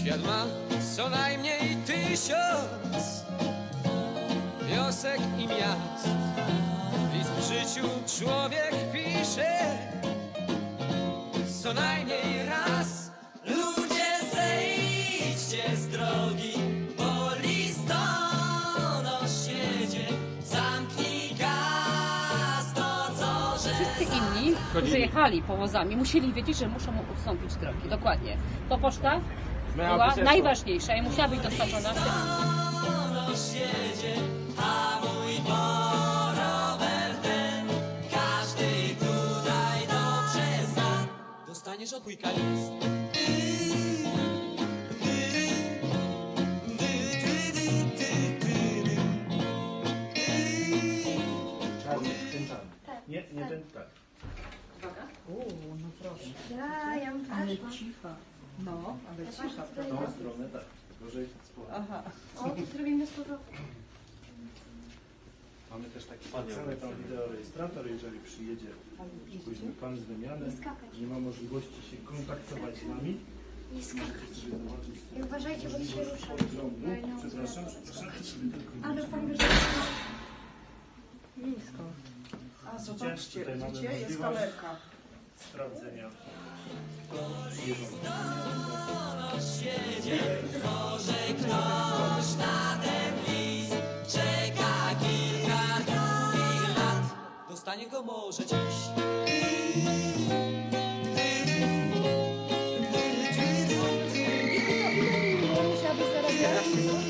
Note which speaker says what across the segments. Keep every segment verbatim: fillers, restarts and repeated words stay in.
Speaker 1: Świat ma co najmniej tysiąc wiosek i miast. List w życiu człowiek pisze co najmniej raz. Ludzie, zejdźcie z drogi, bo listonosz jedzie. Zamknij gaz, to co że...
Speaker 2: Wszyscy inni, którzy jechali powozami, musieli wiedzieć, że muszą mu ustąpić drogi. Dokładnie. To poczta była najważniejsza i musiała być dostarczona w tym.
Speaker 1: Listonosz jedzie, a mój rower ten każdy tutaj dobrze zna. Dostaniesz od wujka list.
Speaker 3: Czarny, ten czarny. Nie, nie ten, tak.
Speaker 2: Uwaga.
Speaker 4: Uuu, no proszę.
Speaker 5: Ja, ja bym
Speaker 4: Ale
Speaker 5: poszła.
Speaker 4: cicha. No, ale cicha,
Speaker 3: W
Speaker 4: prawda?
Speaker 3: tą stronę, tak. Tylko, że sporo.
Speaker 4: Aha.
Speaker 5: O, to zrobimy z powrotem.
Speaker 3: Mamy też taki specjalny tam wideorejestrator, jeżeli przyjedzie później pan z wymiany,
Speaker 5: Nie skakać.
Speaker 3: nie ma możliwości się kontaktować z nami.
Speaker 5: Nie skakać.
Speaker 3: Możecie sobie zobaczyć
Speaker 5: I uważajcie, bo to się rusza.
Speaker 3: drągu. Przepraszam, przepraszam. Sobie tylko
Speaker 5: Ale
Speaker 3: widzicie.
Speaker 5: pan wie, że...
Speaker 4: Nisko. A zobaczcie,
Speaker 3: Tutaj mamy
Speaker 4: widzicie, jest
Speaker 3: możliwość
Speaker 4: kamerka.
Speaker 3: sprawdzenia. Przyjeżdżą.
Speaker 1: Może ktoś na ten list czeka kilka długich lat. Dostanie go może dziś.
Speaker 5: Musiałabyś zarabiać.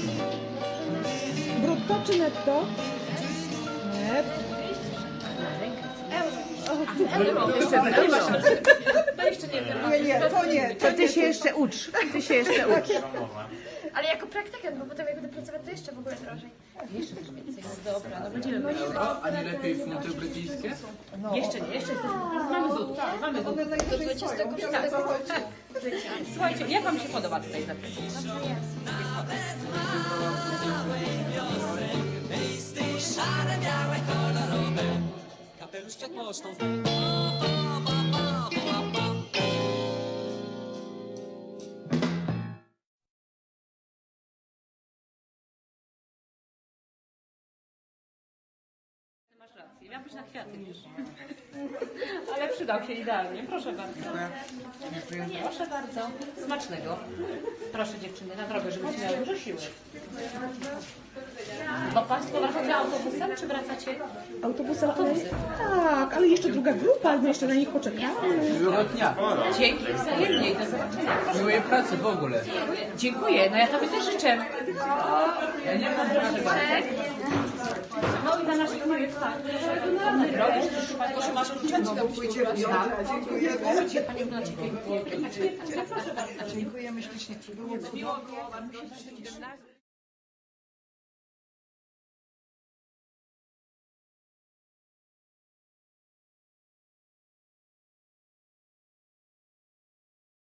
Speaker 4: Brutto czy netto? Netto.
Speaker 2: To jeszcze nie wiem.
Speaker 4: Nie, nie, to nie. To ty się jeszcze ucz. Ty się jeszcze ucz.
Speaker 5: Ale jako praktykant, bo potem jak będę pracować, to jeszcze w ogóle drożej.
Speaker 2: Jeszcze coś więcej. No dobra, no będziemy mieli.
Speaker 6: A nie lepiej funty brytyjskie?
Speaker 2: Jeszcze nie, jeszcze jesteśmy. Mamy złotów, mamy złotów.
Speaker 4: One najwyżej stoją. Wiesz, o co chodzi.
Speaker 2: Słuchajcie, jak wam się podoba tutaj zaprosić?
Speaker 1: Listy szare, białe, kolorowe. Kapelusz przed pocztą.
Speaker 2: Masz rację, miał być na kwiaty, wiesz. Ale przydał się idealnie, proszę bardzo. Proszę bardzo. Smacznego. Proszę dziewczyny, na drogę, żebyście miały dużo siły. Bo Państwo wracacie autobusem, czy wracacie?
Speaker 4: Autobusem, ale... Tak, ale jeszcze druga grupa, my jeszcze na nich poczekamy.
Speaker 6: Miłego dnia.
Speaker 2: Dzięki wzajemnie i do zobaczenia. Proszę.
Speaker 6: Miłej pracy w ogóle.
Speaker 2: Dziękuję, no ja tobie też życzę.
Speaker 6: Ja nie mam
Speaker 2: Proszę bardzo. No i na naszych projekt, tak. Dobrej drogi, życzę Państwu, że masz uczestników.
Speaker 4: Dziękujemy ślicznie.
Speaker 2: Miło było, ładnie się